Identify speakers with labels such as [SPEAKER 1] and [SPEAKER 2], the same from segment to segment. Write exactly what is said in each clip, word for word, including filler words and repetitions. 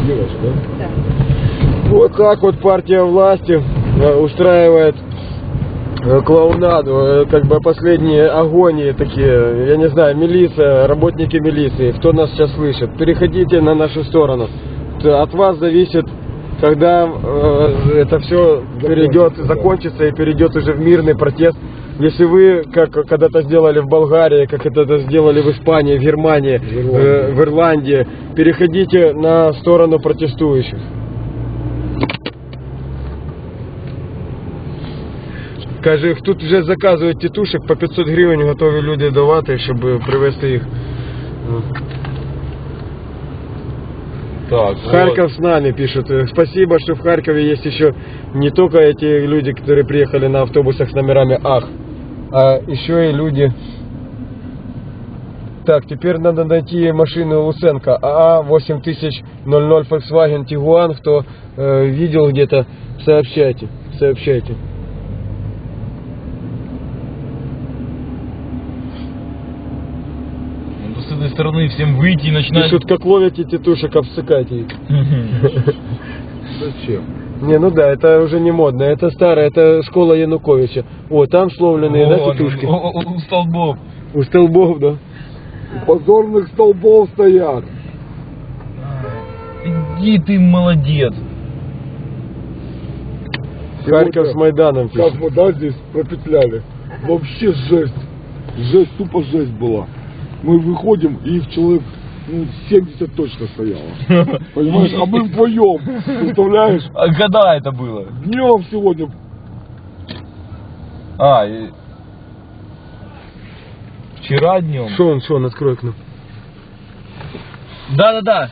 [SPEAKER 1] делаешь, да?
[SPEAKER 2] Да. Вот так вот партия власти устраивает клоунаду, как бы последние агонии такие, я не знаю, милиция, работники милиции, кто нас сейчас слышит, переходите на нашу сторону. От вас зависит, когда э, это все перейдет, закончится, закончится и перейдет уже в мирный протест. Если вы, как когда-то сделали в Болгарии, как это сделали в Испании, в Германии, в Ирландии, э, в Ирландии, переходите на сторону протестующих. Каже, тут вже заказують тітушек, по пятьсот гривень готові люди давати, щоб привезти їх.
[SPEAKER 1] Так,
[SPEAKER 2] Харьков
[SPEAKER 1] вот.
[SPEAKER 2] с нами пишут. Спасибо, что в Харькове есть еще не только эти люди, которые приехали на автобусах с номерами АХ, а еще и люди... Так, теперь надо найти машину Луценко. АА восемь тысяч ноль ноль Volkswagen Tiguan. Кто э, видел где-то, сообщайте. Сообщайте.
[SPEAKER 1] С этой стороны всем выйти и начинать...
[SPEAKER 2] Пишут, как ловите тетушек, обсыкайте их.
[SPEAKER 1] Зачем?
[SPEAKER 2] Не, ну да, это уже не модно. Это старое, это школа Януковича. О, там сломленные, да, тетушки?
[SPEAKER 1] У столбов.
[SPEAKER 2] У столбов, да.
[SPEAKER 1] Позорных столбов стоят. Иди ты, молодец.
[SPEAKER 2] Харьков с Майданом.
[SPEAKER 3] Как мы, да, здесь пропетляли. Вообще жесть. Жесть, тупо жесть была. Мы выходим, и их человек, ну, семьдесят точно стояло. Понимаешь? А мы вдвоем. Представляешь?
[SPEAKER 1] А когда это было?
[SPEAKER 3] Днем сегодня.
[SPEAKER 1] А, и... Вчера днем.
[SPEAKER 2] Что он, что он, открой окно.
[SPEAKER 1] Да-да-да.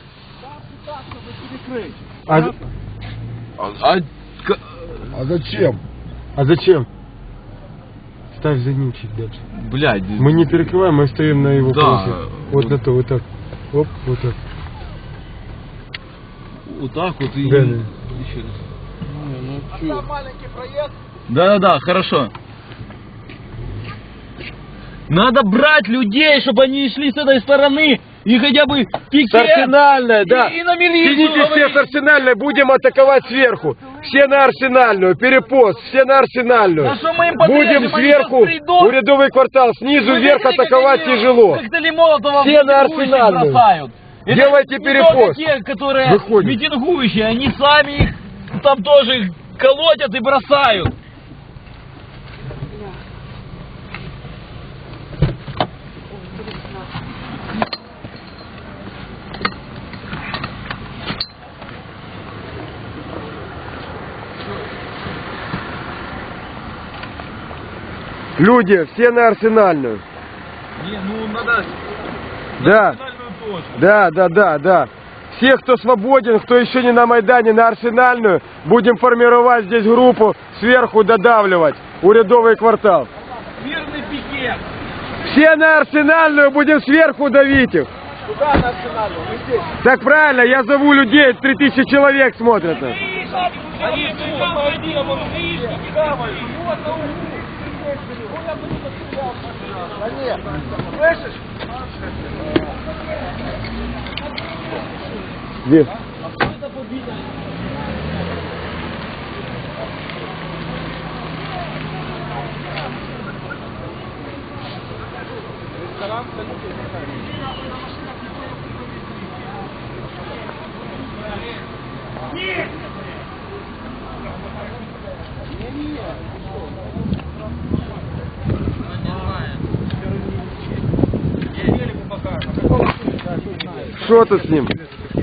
[SPEAKER 2] А,
[SPEAKER 1] А, а,
[SPEAKER 3] А зачем?
[SPEAKER 2] а зачем? Ставь за ним чуть дальше.
[SPEAKER 1] блядь.
[SPEAKER 2] Мы не перекрываем, мы стоим на его
[SPEAKER 1] Да.
[SPEAKER 2] полосе. Вот на то, вот так. Оп, вот так.
[SPEAKER 1] Вот так вот и...
[SPEAKER 2] Да, да.
[SPEAKER 1] Еще раз. Да-да-да, хорошо. Надо брать людей, чтобы они шли с этой стороны и хотя бы пикет.
[SPEAKER 2] С Арсенальной, да.
[SPEAKER 1] И, и на милицию.
[SPEAKER 2] Сидите все
[SPEAKER 1] говорить.
[SPEAKER 2] с Арсенальной, будем атаковать сверху. Все на Арсенальную, перепост, все на Арсенальную.
[SPEAKER 1] А что мы им подрежем?
[SPEAKER 2] Будем
[SPEAKER 1] Они
[SPEAKER 2] сверху,
[SPEAKER 1] сейчас придут.
[SPEAKER 2] урядовый квартал, снизу
[SPEAKER 1] Вы
[SPEAKER 2] вверх
[SPEAKER 1] видели,
[SPEAKER 2] атаковать
[SPEAKER 1] как они
[SPEAKER 2] тяжело.
[SPEAKER 1] коктейли Молотова
[SPEAKER 2] Все на
[SPEAKER 1] митингующих
[SPEAKER 2] Арсенальную.
[SPEAKER 1] бросают. Это
[SPEAKER 2] Делайте
[SPEAKER 1] не
[SPEAKER 2] перепост.
[SPEAKER 1] только те, которые
[SPEAKER 2] Выходим.
[SPEAKER 1] митингующие, они сами их там тоже их колотят и бросают.
[SPEAKER 2] Люди, все на Арсенальную.
[SPEAKER 1] Не, ну надо
[SPEAKER 2] Да,
[SPEAKER 1] национальную точку.
[SPEAKER 2] да, да, да, да. Все, кто свободен, кто еще не на Майдане, на Арсенальную, будем формировать здесь группу, сверху додавливать, урядовый квартал.
[SPEAKER 1] Мирный пикет.
[SPEAKER 2] Все на Арсенальную, будем сверху давить их.
[SPEAKER 1] Куда на Арсенальную? Мы здесь.
[SPEAKER 2] Так правильно, я зову людей, три тысячи человек смотрят нас.
[SPEAKER 1] Они по один, он Вот на углу. Слышишь?
[SPEAKER 2] Где? Что ты с ним?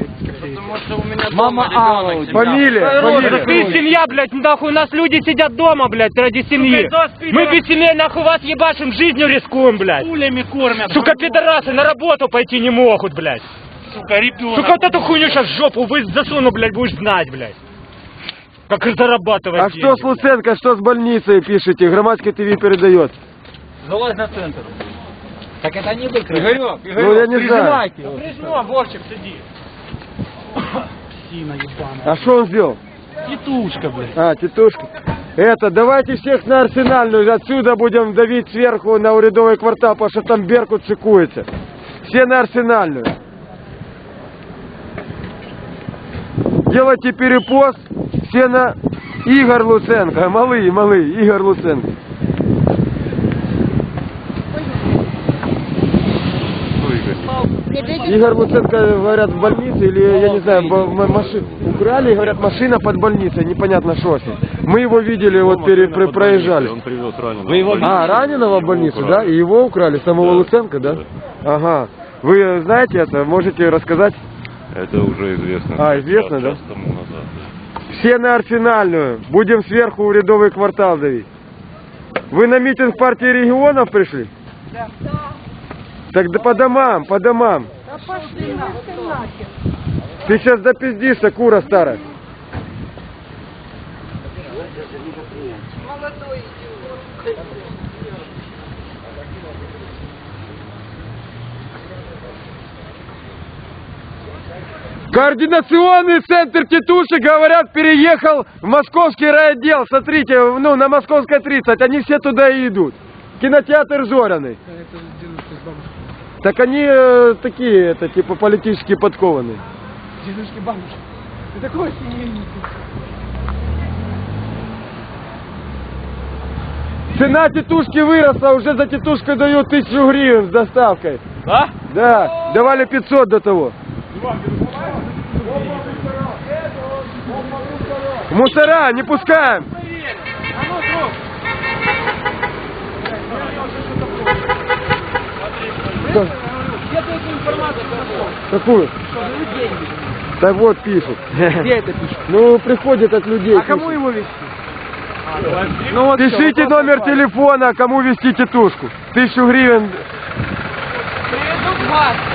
[SPEAKER 4] Мама Алла.
[SPEAKER 2] Фамилия, фамилия.
[SPEAKER 4] Ты семья, блядь, нахуй, у нас люди сидят дома, блядь, ради семьи. Мы без семьи, нахуй, вас ебашим, жизнью рискуем, блядь. Пулями кормят. Сука, пидорасы, на работу пойти не могут, блядь. Сука, ребенок. Сука, вот эту хуйню сейчас в жопу вы засуну, блядь, будешь знать, блядь. Как зарабатывать
[SPEAKER 2] А
[SPEAKER 4] деньги,
[SPEAKER 2] что с Луценко, что с больницей пишете? Громадское ТВ передает.
[SPEAKER 4] Залазь на центр. Так это не выкрыть. Игорек, Игорек,
[SPEAKER 2] Ну, я не знаю.
[SPEAKER 4] Прижмем, Вовчик, сиди. Псина ебаная.
[SPEAKER 2] А что он сделал?
[SPEAKER 4] Титушка, блядь.
[SPEAKER 2] А, тетушка. Это, давайте всех на Арсенальную, отсюда будем давить сверху на урядовый квартал, потому что там Беркут шикуется. Все на Арсенальную. делайте перепост, все на Игорь Луценко, малый, малый, Игорь Луценко. Игорь Луценко, говорят, в больнице, или, я не знаю, машину украли, говорят, машина под больницей, непонятно что с ним. Мы его видели, вот пере, про- проезжали.
[SPEAKER 5] Он привез раненого.
[SPEAKER 1] Вы его
[SPEAKER 2] А, раненого в больницу,
[SPEAKER 5] Украли.
[SPEAKER 2] да? И его украли, самого
[SPEAKER 5] Да.
[SPEAKER 2] Луценко, да? Ага. Вы знаете это? Можете рассказать?
[SPEAKER 5] Это уже известно.
[SPEAKER 2] А, известно, да?
[SPEAKER 5] Час тому назад.
[SPEAKER 2] Все на Арсенальную. Будем сверху в рядовый квартал давить. Вы на митинг партии регионов пришли? Да. Так да по домам, по домам.
[SPEAKER 6] Да пошли нахуй, нахер.
[SPEAKER 2] Ты сейчас допиздишься, кура старая.
[SPEAKER 6] Молодой идиот.
[SPEAKER 2] Координационный центр тетушек, говорят, переехал в московский райотдел. Смотрите, ну, на Московской тридцать, они все туда и идут. Кинотеатр Зоряный. Так они э, такие, это, типа, политически подкованные.
[SPEAKER 6] Дедушки, бабушки. Ты такой семейный.
[SPEAKER 2] Цена тетушки выросла, уже за тетушку дают тысячу гривен с доставкой.
[SPEAKER 1] Да?
[SPEAKER 2] Да, давали пятьсот до того. Мусора, не пускаем. Что? Какую? Так вот пишут.
[SPEAKER 6] Где это пишет?
[SPEAKER 2] Ну, приходит от людей.
[SPEAKER 6] А кому
[SPEAKER 2] пишут.
[SPEAKER 6] его вести? Ну вот
[SPEAKER 2] Пишите номер телефона, кому вести тетушку. Тысячу гривен.
[SPEAKER 6] Приведут вас.